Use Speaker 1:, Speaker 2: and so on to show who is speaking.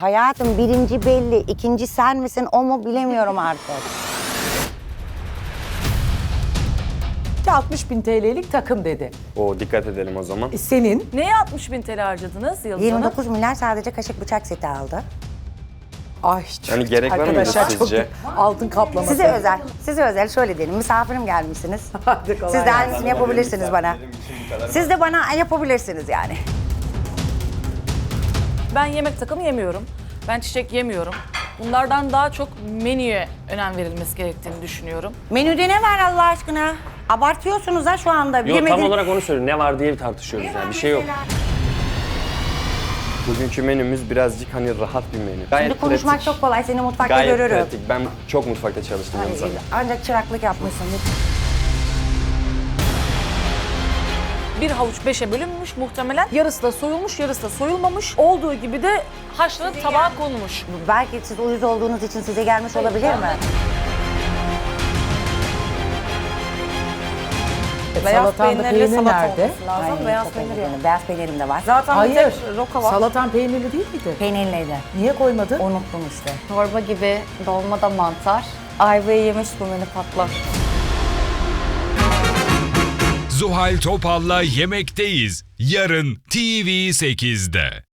Speaker 1: Hayatım birinci belli, ikinci sen misin o mu bilemiyorum artık.
Speaker 2: 60.000 TL'lik takım dedi.
Speaker 3: O dikkat edelim o zaman.
Speaker 2: Senin
Speaker 4: Neye 60.000 TL harcadınız Yıldız Hanım?
Speaker 1: 29 milyar sadece kaşık bıçak seti aldı.
Speaker 2: ay
Speaker 3: Yani gerek var mıydı
Speaker 2: arkadaşlar çok
Speaker 3: sizce?
Speaker 2: altın kaplaması.
Speaker 1: Size özel şöyle diyelim, misafirim gelmişsiniz.
Speaker 2: Hadi kolay
Speaker 1: Siz de
Speaker 2: gelsin.
Speaker 1: aynısını yapabilirsiniz bana. Siz de bana yapabilirsiniz yani.
Speaker 4: Ben yemek takımı yemiyorum. Ben çiçek yemiyorum. Bunlardan daha çok menüye önem verilmesi gerektiğini düşünüyorum.
Speaker 1: Menüde ne var Allah aşkına? Abartıyorsunuz ha şu anda.
Speaker 5: Yok tam olarak onu söylüyorum. Ne var diye tartışıyoruz yani. Bir şey yok.
Speaker 3: Bugünkü menümüz birazcık hani rahat bir menü. Gayet
Speaker 1: Şimdi konuşmak
Speaker 3: pratik.
Speaker 1: çok kolay, seni mutfakta
Speaker 3: Gayet
Speaker 1: görürüm.
Speaker 3: pratik. Ben çok mutfakta çalıştım Yıldız Hanım.
Speaker 1: Ancak çıraklık yapmışsın.
Speaker 4: Bir havuç 5'e bölünmüş muhtemelen. Yarısı da soyulmuş, yarısı da soyulmamış. Olduğu gibi de haşlanıp tabağa konmuş.
Speaker 1: Belki siz uyuz olduğunuz için size gelmiş olabilir mi?
Speaker 2: Salatanda peynir nerede?
Speaker 4: Lazım. Beyaz peynir yok.
Speaker 1: Beyaz peynirim de var.
Speaker 4: Zaten
Speaker 2: Hayır.
Speaker 4: bir tek roka var.
Speaker 2: Salatan peynirli değil miydi?
Speaker 1: Peynirliydi.
Speaker 2: Niye koymadın?
Speaker 1: Unuttum işte.
Speaker 6: Çorba gibi, dolma da mantar. Ayvayı yemiş bu menü patlar.
Speaker 7: Zuhal Topal'la Yemekteyiz. Yarın TV8'de.